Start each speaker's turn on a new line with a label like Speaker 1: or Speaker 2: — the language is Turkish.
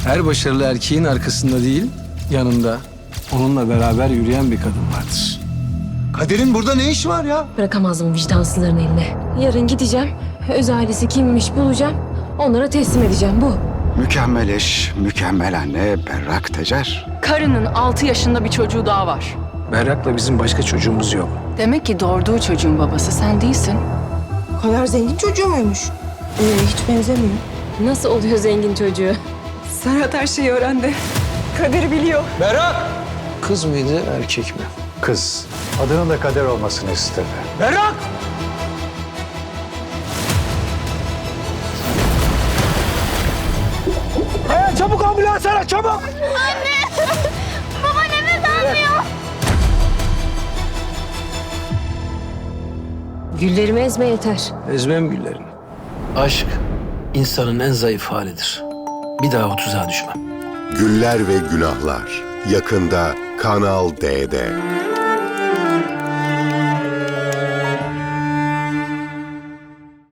Speaker 1: Her başarılı erkeğin arkasında değil, yanında onunla beraber yürüyen bir kadın vardır.
Speaker 2: Kader'in burada ne işi var ya?
Speaker 3: Bırakamazdım vicdansızların eline. Yarın gideceğim. Öz ailesi kimmiş bulacağım. Onlara teslim edeceğim bu.
Speaker 4: Mükemmel eş, mükemmel anne Berrak Tecer.
Speaker 5: Karının 6 yaşında bir çocuğu daha var.
Speaker 1: Berrak'la bizim başka çocuğumuz yok.
Speaker 5: Demek ki doğurduğu çocuğun babası sen değilsin.
Speaker 6: Kader zengin çocuğu muymuş? Hiç benzemiyor.
Speaker 3: Nasıl oluyor zengin çocuğu?
Speaker 6: Serhat her şeyi öğrendi. Kader'i biliyor.
Speaker 1: Berrak! Kız mıydı, erkek mi?
Speaker 7: Kız. Adının da Kader olmasını istedi.
Speaker 1: Berrak! Kaya çabuk ambulans ara, çabuk!
Speaker 3: Güllerimi ezme yeter.
Speaker 1: Ezmem güllerini. Aşk insanın en zayıf halidir. Bir daha o tuzağa düşmem.
Speaker 8: Güller ve Günahlar yakında Kanal D'de.